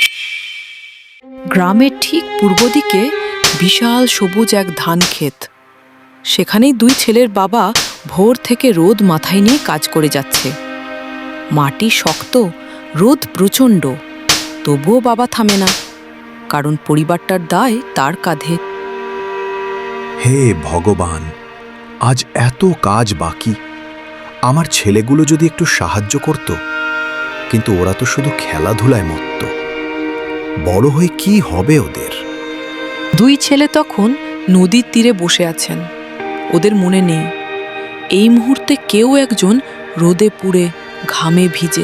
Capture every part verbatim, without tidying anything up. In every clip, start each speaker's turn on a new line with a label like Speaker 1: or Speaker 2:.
Speaker 1: গ্রামের ঠিক পূর্ব দিকে বিশাল সবুজ এক ধান ক্ষেত। সেখানেই দুই ছেলের বাবা ভোর থেকে রোদ মাথায় নিয়ে কাজ করে যাচ্ছে। মাটি শক্ত, রোদ প্রচণ্ড, তবুও বাবা থামে না, কারণ পরিবারটার দায় তার কাঁধে।
Speaker 2: হে ভগবান, আজ এত কাজ বাকি। আমার ছেলেগুলো যদি একটু সাহায্য করত, কিন্তু ওরা তো শুধু খেলাধুলায় মত্ত। বড় হয়ে কি হবে ওদের?
Speaker 1: দুই ছেলে তখন নদীর তীরে বসে আছেন। ওদের মনে নেই এই মুহূর্তে কেউ একজন রোদে পুড়ে ঘামে ভিজে।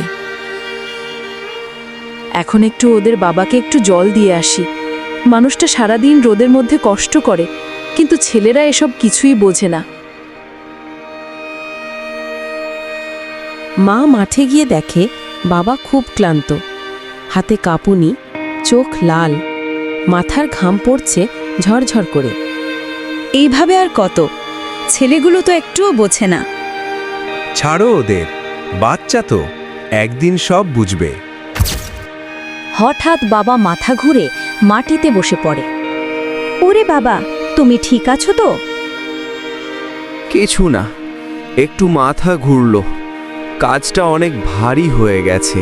Speaker 3: এখন একটু ওদের বাবাকে একটু জল দিয়ে আসি। মানুষটা সারাদিন রোদের মধ্যে কষ্ট করে, কিন্তু ছেলেরা এসব কিছুই বোঝে না। মা মাঠে গিয়ে দেখে বাবা খুব ক্লান্ত, হাতে কাঁপুনি, চোখ লাল, মাথার ঘাম পড়ছে ঝরঝর করে।
Speaker 4: এইভাবে আর কত? ছেলেগুলো তো একটুও বোঝে না।
Speaker 5: ছাড়ো ওদের, বাচ্চা তো, একদিন সব বুঝবে।
Speaker 4: হঠাৎ বাবা মাথা ঘুরে মাটিতে বসে পড়ে। ওরে বাবা, তুমি ঠিক আছো তো?
Speaker 5: কিছু না, একটু মাথা ঘুরলো। কাজটা অনেক ভারী হয়ে গেছে।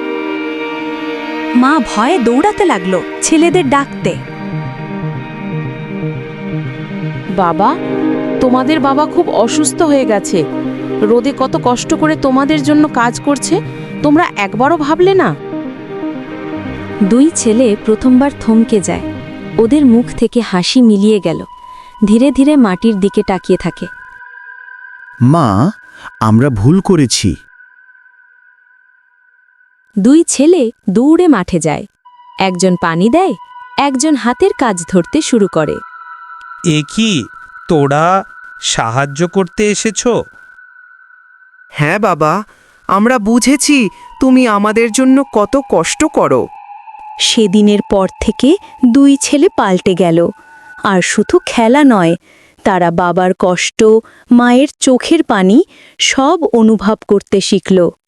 Speaker 4: মা ভয়ে দৌড়াতে লাগলো ছেলেদের ডাকতে।
Speaker 3: বাবা, তোমাদের বাবা খুব অসুস্থ হয়ে গেছে। রোদে কত কষ্ট করে তোমাদের জন্য কাজ করছে, তোমরা একবারও ভাবলে না?
Speaker 4: দুই ছেলে প্রথমবার থমকে যায়। ওদের মুখ থেকে হাসি মিলিয়ে গেল। ধীরে ধীরে মাটির দিকে তাকিয়ে থাকে।
Speaker 2: মা, আমরা ভুল করেছি।
Speaker 4: দুই ছেলে দৌড়ে মাঠে যায়। একজন পানি দেয়, একজন হাতের কাজ ধরতে শুরু করে।
Speaker 6: এ কি, তোরা সাহায্য করতে এসেছো?
Speaker 7: হ্যাঁ বাবা, আমরা বুঝেছি তুমি আমাদের জন্য কত কষ্ট করো।
Speaker 4: সেদিনের পর থেকে দুই ছেলে পাল্টে গেল। আর শুধু খেলা নয়, তারা বাবার কষ্ট, মায়ের চোখের পানি সব অনুভব করতে শিখল।